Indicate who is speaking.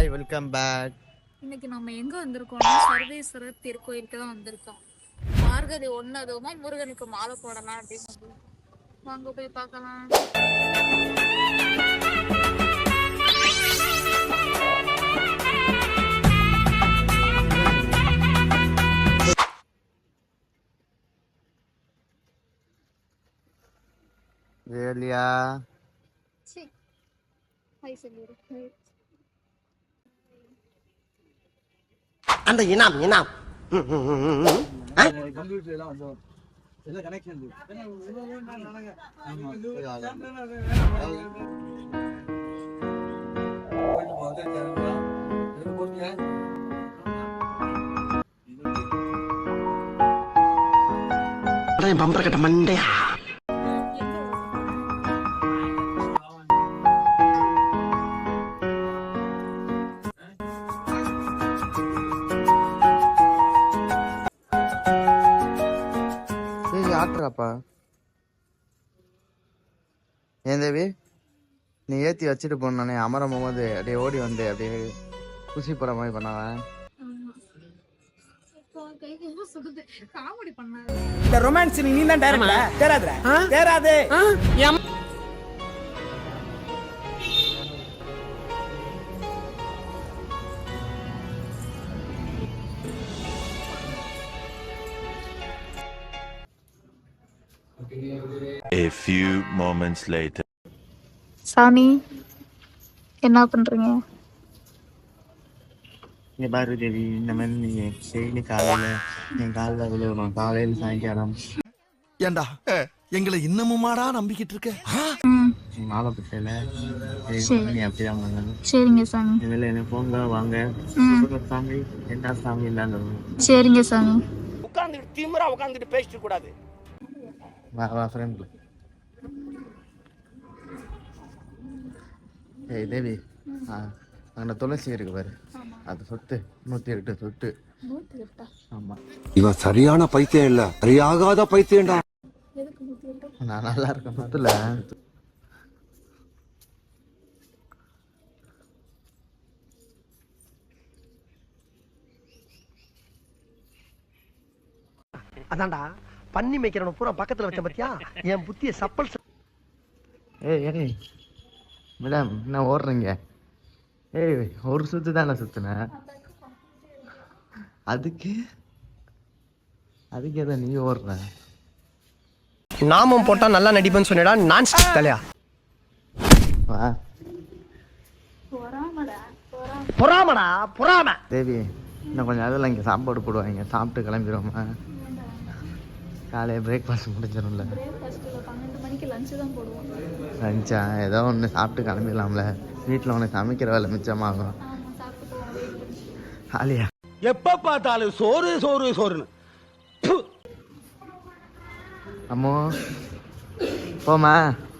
Speaker 1: Hi, welcome back.
Speaker 2: இன்னைக்கு நம்ம எங்க வந்திருக்கோம்னா சர்வேஸ்வரர் திருக்கோயிலுக்கு தான் வந்திருக்கோம். மார்கழி 1 அதுவுமா முருகனுக்கு மாலை போடலாம் அப்படின்னு வாங்க போய் பார்க்கலாம்.
Speaker 1: வேலியா
Speaker 3: அந்த இனாம் பம்பர கட்ட மண்டையா
Speaker 1: ஆட்டுறாப்பா. ஏன் தேவி, நீ ஏத்தி வச்சுட்டு போனானே அமரம் போகும்போது அப்படியே ஓடி வந்து அப்படியே குசி போற மாதிரி பண்ணாவன்.
Speaker 4: இந்த ரொமான்ஸ் நீ தான் டைரக்டர் தேராதே தேராதே.
Speaker 5: A few moments later.
Speaker 2: சாமி என்ன பண்றீங்க?
Speaker 1: இங்க பாரு தேவி, இந்த மாதிரி நீ டெய்லி காலையில என் காலில் விழுவணும், காலையில் சாயங்காலம்.
Speaker 4: ஏண்டா எங்களை இன்னமுமாடா நம்பிக்கிட்டு இருக்க?
Speaker 1: நீ மாலை பிட்டையில நீ அப்படிதான் பண்ணணும்.
Speaker 2: சரிங்க சாமி.
Speaker 1: இதில் என்ன போங்க வாங்க சாமி, என்ன சாமி இல்லாத.
Speaker 2: சரிங்க சாமி.
Speaker 3: உட்கார்ந்துட்டு திமிரா உட்கார்ந்துட்டு பேசிட்டு கூடாது.
Speaker 1: வா வா ஃப்ரெண்ட். ஏய் தேவி, அங்கே துளசி இருக்கு பாரு, அது சொத்து 108 சொத்து. ஆமா,
Speaker 6: இவன் சரியான பைத்தியம் இல்ல, சரியாகாத பைத்தியம்டா.
Speaker 1: நான் நல்லா இருக்கேன் மொத்தல.
Speaker 3: அதான்டா பண்ணி மேய்க்கிறவன பூரா பக்கத்துல வச்ச பத்தியா என் புத்திய சப்பல்.
Speaker 1: ஏய் ஏய் மேடம், என்ன ஓடுறீங்க? ஏய், ஒரு சுத்து தானே சுத்துனேன். அதுக்கு எதை நீ ஓடுற?
Speaker 3: நாமம் போட்டா நல்லா நடிப்பேன்னு சொன்னடா. நான் தலையா
Speaker 1: வா.
Speaker 3: பொறாமடா பொறாம.
Speaker 1: தேவி, இன்னும் கொஞ்சம் அதில் இங்கே சாப்பாடு போடுவாங்க, சாப்பிட்டு கிளம்பிடுவோமா? காலையில் பிரேக்ஃபாஸ்ட் முடிஞ்சிடும்ல.
Speaker 2: 12 மணிக்கு லஞ்சு தான் போடுவோம்.
Speaker 1: லஞ்சா ஏதோ ஒன்று சாப்பிட்டு கிளம்பிடலாம்ல. வீட்டில் உனக்கு சமைக்கிற வேலை மிச்சமாகும். ஆலியா
Speaker 4: எப்ப பார்த்தாலும் சோறு சோறு சோறுன்னு.
Speaker 1: அம்மோ போமா.